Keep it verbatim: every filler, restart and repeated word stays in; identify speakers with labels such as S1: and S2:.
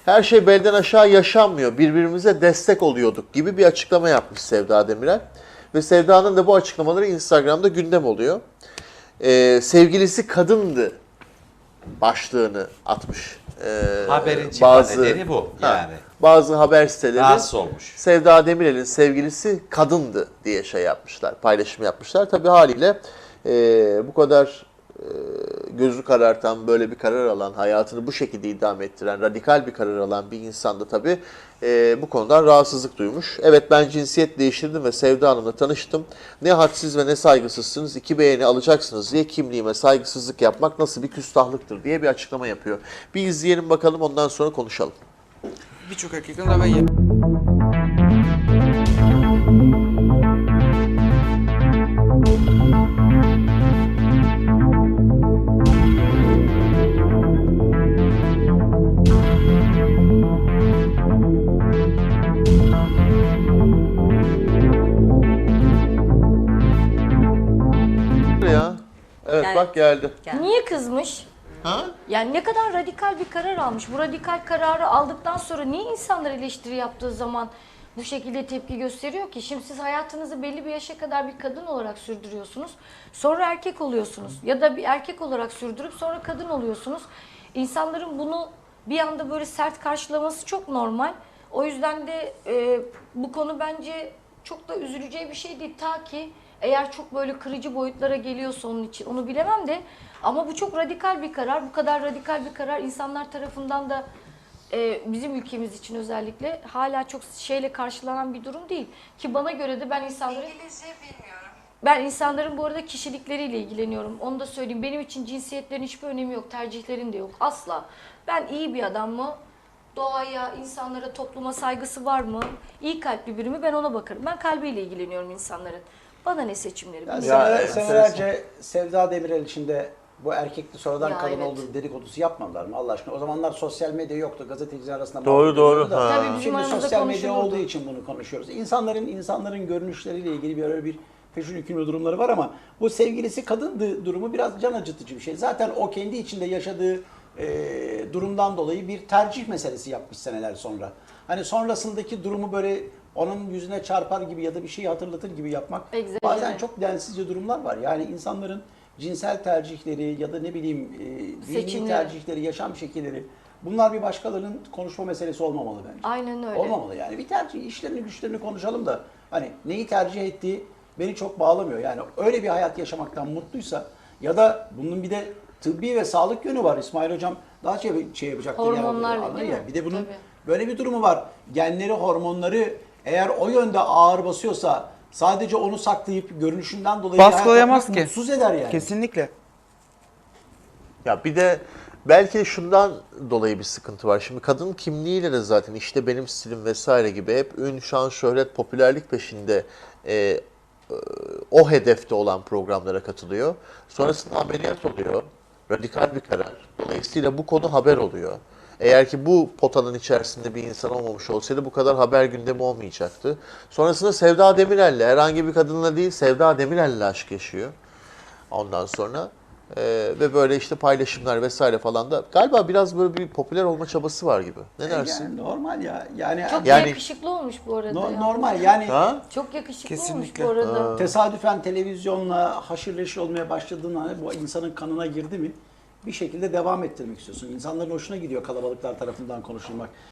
S1: her şey belden aşağı yaşanmıyor, birbirimize destek oluyorduk gibi bir açıklama yapmış Sevda Demirel. Ve Sevda'nın da bu açıklamaları Instagram'da gündem oluyor. Ee, sevgilisi kadındı başlığını atmış. Ee,
S2: Haberin çıkma nedeni bu yani.
S1: Ha, bazı haber siteleri
S2: Rahatsız olmuş.
S1: Sevda Demirel'in sevgilisi kadındı diye şey yapmışlar, paylaşım yapmışlar. Tabii haliyle e, bu kadar e, gözü karartan, böyle bir karar alan, hayatını bu şekilde idame ettiren, radikal bir karar alan bir insan da tabii e, bu konudan rahatsızlık duymuş. Evet, ben cinsiyet değiştirdim ve Sevda Hanım'la tanıştım. Ne hadsiz ve ne saygısızsınız, iki beğeni alacaksınız diye kimliğime saygısızlık yapmak nasıl bir küstahlıktır diye bir açıklama yapıyor. Bir izleyelim bakalım, ondan sonra konuşalım.
S3: Birçok erkekten daha ben ye-
S1: Ya. Evet,
S4: Yani-
S1: bak geldi.
S4: Niye kızmış?
S1: Ha?
S4: Yani ne kadar radikal bir karar almış. Bu radikal kararı aldıktan sonra niye insanlar eleştiri yaptığı zaman bu şekilde tepki gösteriyor ki? Şimdi siz hayatınızı belli bir yaşa kadar bir kadın olarak sürdürüyorsunuz. Sonra erkek oluyorsunuz. Ya da bir erkek olarak sürdürüp sonra kadın oluyorsunuz. İnsanların bunu bir anda böyle sert karşılaması çok normal. O yüzden de e, bu konu bence çok da üzüleceği bir şey değil. Ta ki eğer çok böyle kırıcı boyutlara geliyorsa onun için, onu bilemem de, ama bu çok radikal bir karar. Bu kadar radikal bir karar insanlar tarafından da e, bizim ülkemiz için özellikle hala çok şeyle karşılanan bir durum değil. Ki bana göre de ben insanların
S5: İngilizce bilmiyorum.
S4: ben insanların bu arada kişilikleriyle ilgileniyorum. Onu da söyleyeyim. Benim için cinsiyetlerin hiçbir önemi yok. Tercihlerin de yok. Asla. Ben iyi bir adam mı? Doğaya, insanlara, topluma saygısı var mı? İyi kalpli biri mi? Ben ona bakarım. Ben kalbiyle ilgileniyorum insanların. Bana ne seçimleri?
S6: Yani
S4: bilmiyorum.
S6: seneler-
S1: evet,
S6: senelerce Sevda Demirel içinde bu erkekli sonradan
S4: Ya
S6: kadın
S4: evet.
S6: olduğu dedikodusu yapmadılar mı Allah aşkına? O zamanlar sosyal medya yoktu. Gazeteciler arasında
S1: Doğru,
S6: muhabbet
S1: doğru.
S6: ediyordu da.
S1: Ha.
S4: Tabii bizim
S6: Şimdi
S4: aramızda
S6: sosyal medya
S4: konuşulurdu.
S6: olduğu için bunu konuşuyoruz. İnsanların insanların görünüşleriyle ilgili bir öyle bir peşin hükümlü durumları var ama bu sevgilisi kadındı durumu biraz can acıtıcı bir şey. Zaten o kendi içinde yaşadığı e, durumdan dolayı bir tercih meselesi yapmış seneler sonra. Hani sonrasındaki durumu böyle onun yüzüne çarpar gibi ya da bir şeyi hatırlatır gibi yapmak
S4: Egzajere.
S6: bazen çok densizce durumlar var. Yani insanların cinsel tercihleri ya da ne bileyim e, dini
S4: Seçimleri.
S6: tercihleri, yaşam şekilleri, bunlar bir başkalarının konuşma meselesi olmamalı bence.
S4: Aynen öyle.
S6: Olmamalı yani. Bir tercih, işlerini güçlerini konuşalım da hani neyi tercih ettiği beni çok bağlamıyor. Yani öyle bir hayat yaşamaktan mutluysa ya da bunun bir de tıbbi ve sağlık yönü var. İsmail Hocam daha şey, şey yapacaktır.
S4: Hormonlarla,
S6: yani,
S4: değil
S6: ya.
S4: mi?
S6: Bir de bunun
S4: Tabii.
S6: böyle bir durumu var. Genleri, hormonları eğer o yönde ağır basıyorsa sadece onu saklayıp görünüşünden dolayı
S3: Baskılayamaz
S6: hayat
S3: ki.
S6: yapmak mutsuz eder yani.
S3: Kesinlikle.
S1: Ya bir de belki şundan dolayı bir sıkıntı var. Şimdi kadın kimliğiyle de zaten işte benim stilim vesaire gibi hep ün, şan, şöhret, popülerlik peşinde e, e, o hedefte olan programlara katılıyor. Sonrasında ameliyat oluyor. Radikal bir karar. Dolayısıyla bu konu haber oluyor. Eğer ki bu potanın içerisinde bir insan olmamış olsaydı bu kadar haber gündemi olmayacaktı. Sonrasında Sevda Demirel'le, herhangi bir kadınla değil, Sevda Demirel'le aşk yaşıyor. Ondan sonra e, ve böyle işte paylaşımlar vesaire falan da galiba biraz böyle bir popüler olma çabası var gibi. Ne dersin?
S6: Yani normal ya. Yani,
S4: Çok
S1: Yani-
S4: yakışıklı olmuş bu arada.
S6: no-
S4: ya.
S6: normal yani.
S1: Ha?
S4: Çok yakışıklı
S3: Kesinlikle.
S4: olmuş bu arada.
S6: Tesadüfen televizyonla haşır neşir olmaya başladığında bu insanın kanına girdi mi bir şekilde devam ettirmek istiyorsun. İnsanların hoşuna gidiyor kalabalıklar tarafından konuşulmak.